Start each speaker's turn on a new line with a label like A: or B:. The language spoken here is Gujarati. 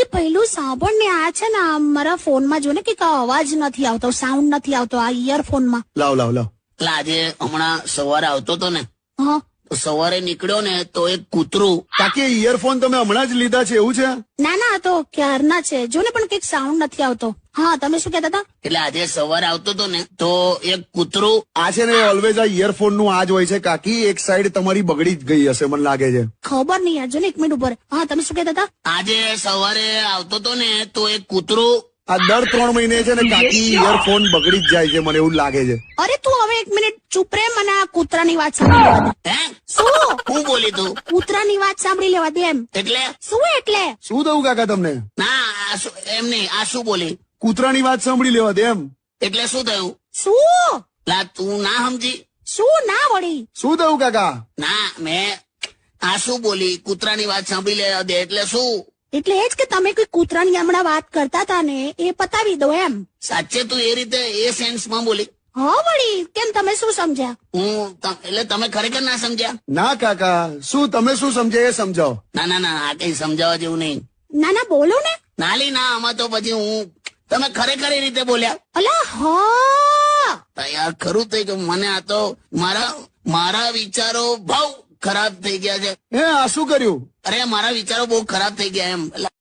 A: પહેલું સાંભળ ને, આ છે ને મારા ફોનમાં જો ને કે અવાજ નથી આવતો, સાઉન્ડ નથી આવતો આ ઇયરફોનમાં.
B: લાવ લાવ લાવ.
C: એટલે આજે હમણાં સવારે આવતો હતો ને,
A: હા
C: તો સવારે નીકળ્યો ને તો એક કૂતરું.
B: કાકી ઇયરફોન તમે હમણાં જ લીધા છે એવું છે?
A: ના ના, આ તો ક્યારના છે જો ને, પણ કઈક સાઉન્ડ નથી આવતો. હા તમે શું કહેતા હતા?
C: એટલે આજે સવારે આવતો હતો ને તો એક કૂતરું.
B: આ છે ને ઓલવેઝ આ ઇયરફોન નું આ જ હોય છે કાકી. એક સાઈડ તમારી બગડી જ ગઈ હશે મને લાગે છે.
A: ખબર નહીં યાર, જો ને 1 મિનિટ ઉપર. હા તમે શું કહેતા હતા?
C: આજે સવારે આવતો હતો ને તો એક કૂતરું.
B: આ દર 3 મહિને છે ને કાકી ઇયરફોન બગડી જ જાય છે મને એવું લાગે છે.
A: અરે તું હવે 1 મિનિટ ચૂપ રે, મને આ કૂતરાની વાત સાંભળી લેવા દે.
C: હે
A: શું?
C: હું બોલી તું?
A: કૂતરાની વાત સાંભળી લેવા દે એમ.
C: એટલે
A: શું એટલે?
B: શું થયું કાકા તમને?
C: ના એમ નહીં, આ શું બોલી?
B: કૂતરાની વાત સાંભળી લેવા દે એમ.
C: એટલે શું થયું?
A: શું?
C: લા તું ના સમજી?
A: શું ના વળી?
B: શું થયું કાકા?
C: ના મેં આ શું બોલી? કૂતરાની વાત સાંભળી લેવા દે એટલે શું?
A: એટલે એ જ કે તમે કોઈ કૂતરાની હમણાં વાત કરતા હતા ને એ પતાવી દો એમ.
C: સાચે તું એ રીતે એ સેન્સમાં બોલી?
A: હા વળી, કેમ તમે શું સમજ્યા?
C: એટલે તમે ખરેખર ના સમજ્યા?
B: ના કાકા, શું તમે શું સમજે એ સમજાવો.
C: ના ના ના, આ કઈ સમજાવવા જેવું નહીં.
A: ના ના બોલો ને.
C: નાલી ના, આમાં તો પછી તમે ખરેખર એ રીતે બોલ્યા.
A: અલા હા
C: યાર ખરું થઈ ગયું. મને આ તો મારા વિચારો બહુ ખરાબ થઈ ગયા છે.
B: હે આ શું કર્યું?
C: અરે મારા વિચારો બહુ ખરાબ થઈ ગયા એમ.